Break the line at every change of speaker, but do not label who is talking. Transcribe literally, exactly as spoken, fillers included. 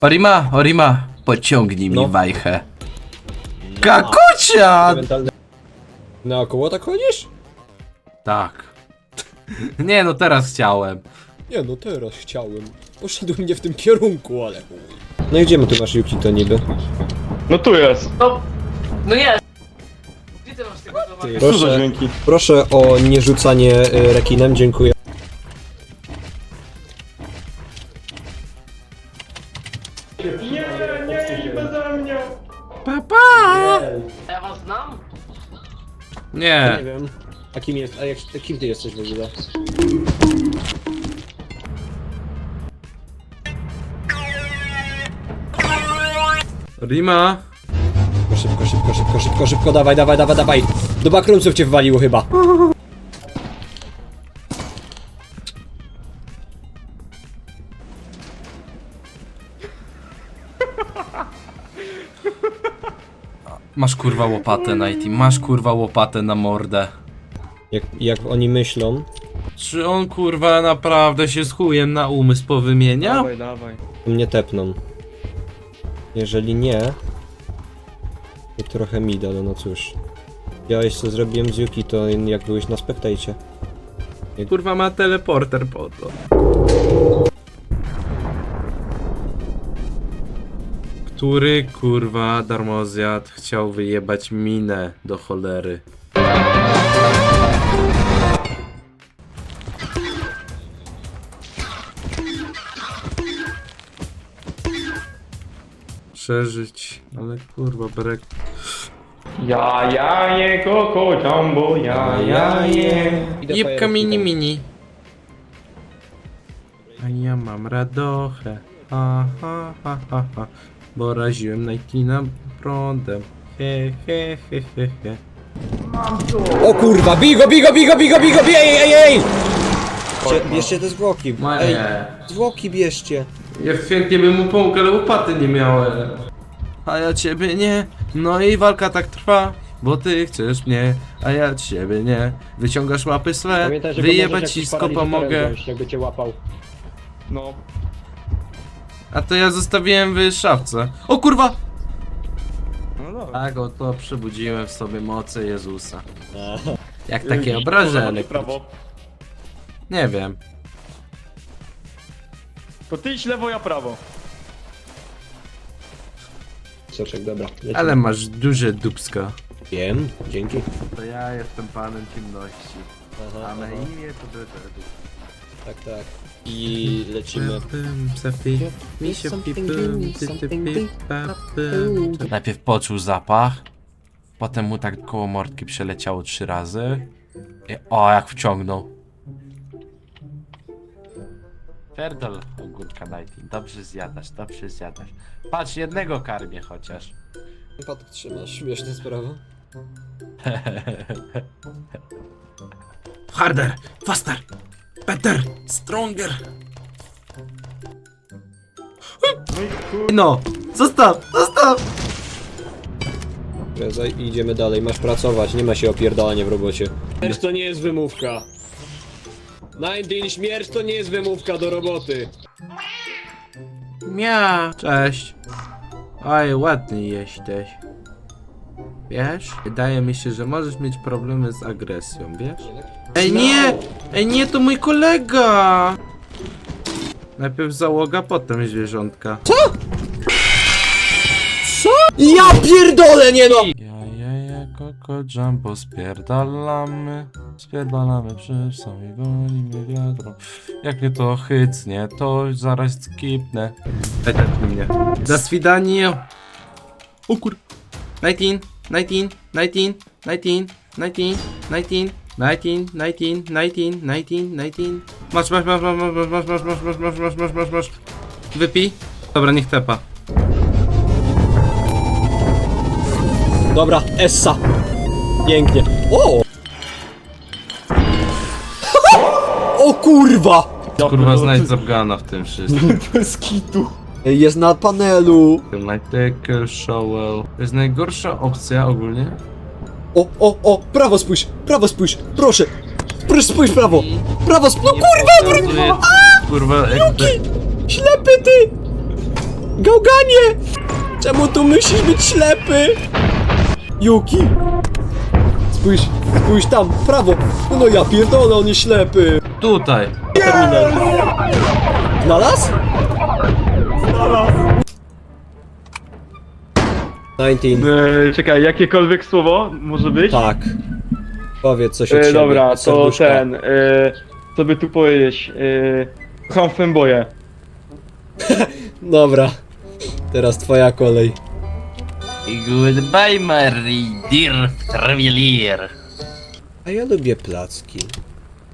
Orima, Orima, pociągnij mi
No.
wajchę. Kakucia!
Naokoło tak chodzisz?
Tak. Nie no, teraz chciałem.
Nie no, teraz chciałem. Poszedłem nie w tym kierunku, ale chuj. No i gdzie my tu masz Yuki to niby?
No tu jest.
No, no jest! Gdzie ty masz tego towaru?
Ty,
Co za
proszę,
dźwięki?
proszę o nierzucanie y, rekinem, dziękuję.
Nie, nie, nie beze mnie.
Papa!
Ja was znam?
Nie.
Nie wiem. A kim jest, a jak, kim ty jesteś w ogóle?
Orima.
Szybko, szybko, szybko, szybko, szybko, dawaj, dawaj, dawaj, dawaj. Do backroomsów cię wywaliło chyba.
Masz kurwa łopatę, Nighty, masz kurwa łopatę na mordę.
Jak, jak oni myślą,
Czy on kurwa naprawdę się z chujem na umysł powymieniał?
Dawaj, dawaj.
to mnie tepną. Jeżeli nie, to trochę mi da, no cóż. Widziałeś co zrobiłem z Yuki, to jak byłeś na spektajcie.
Kurwa ma teleporter po to. Który kurwa darmozjad chciał wyjebać minę do cholery? Przeżyć, ale kurwa brek.
Ja, ja, je, koko, jumbo, ja, ja, je.
Jebka mini mini. A ja mam radochę. Ha ha ha ha ha. Bo raziłem Nightina prądem. He he he he he.
O kurwa, bigo, bigo, bigo, bigo, bigo, bigo, ej, ej, ej! Bierzcie, bierzcie te zwłoki, ej, zwłoki bierzcie.
Ja chętnie bym mu pomógł, ale łopaty nie miałem. A ja ciebie nie. No i walka tak trwa. Bo ty chcesz mnie, a ja ciebie nie. Wyciągasz łapy swe, wyjebać ci skopa mogę.
Jakby cię łapał.
No.
A to ja zostawiłem w szafce. O kurwa!
No dobra.
Tak, oto przebudziłem w sobie moce Jezusa. Jak takie obrażenie.
Prawo.
Nie wiem.
To ty idź lewo, ja prawo.
Soczek, dobra. lecimy.
Ale masz duże dupsko.
Wiem, dzięki.
To ja jestem panem ciemności.
Aha,
A na
aha.
imię to Dededu.
Tak, tak. I lecimy.
Najpierw poczuł zapach, potem mu tak koło mordki przeleciało trzy razy. I o, jak wciągnął. Pierdol, ogórka Nighty. Dobrze zjadasz, dobrze zjadasz. Patrz, jednego karmię chociaż.
Patrz, trzymasz, śmieszna sprawa.
Harder, faster, better, stronger. No, zostaw, zostaw.
Prezaj i idziemy dalej, masz pracować, nie ma się opierdalania w robocie. Śmierć to nie jest wymówka. dziewiętnaście, śmierć to nie jest wymówka do roboty.
Mia. Cześć. Oj, ładny jesteś. Wiesz? Wydaje mi się, że możesz mieć problemy z agresją, wiesz? Ej, nie! Ej, nie, to mój kolega! Najpierw załoga, potem zwierzątka.
Ja pierdolę, nie no!
Ja, ja, ja, koko, jumbo, spierdalamy. Spierdalamy przy samej wolimy wiadro. Jak mnie to chycnie, to zaraz skipnę. Daj tak mnie. Do swidania. O kur... nineteen, nineteen, nineteen, nineteen, nineteen, nineteen, nineteen, nineteen, nineteen, nineteen, nineteen. Masz, masz, masz, masz, masz, masz, masz, masz, masz, masz, masz, masz, masz, masz. Wypij. Dobra, niech tepa.
Dobra, Essa. Pięknie. O! O kurwa!
Kurwa, znajdź Zabgana w tym wszystkim.
Bez kitu.
Jest na panelu.
Nightaker, Showell. To jest najgorsza opcja ogólnie.
O, o, o, prawo spójrz, prawo spójrz, proszę. Proszę spójrz prawo. Prawo spójrz, no kurwa,
Pokazuje, kurwa, jakby...
ślepy ty! Gałganie! Czemu tu musisz być ślepy? Yuki! Spójrz, spójrz tam, w prawo! No ja pierdolę, on jest ślepy!
Tutaj.
Terminal. Znalazł? dziewiętnaście.
E, czekaj, jakiekolwiek słowo może być?
Tak. Powiedz coś od
E,
siebie.
dobra,
od
to
serduszka.
ten, e, co by tu powiedzieć? E, kocham fanboye.
Dobra. Teraz twoja kolej.
Goodbye, my dear traveler.
A ja lubię placki.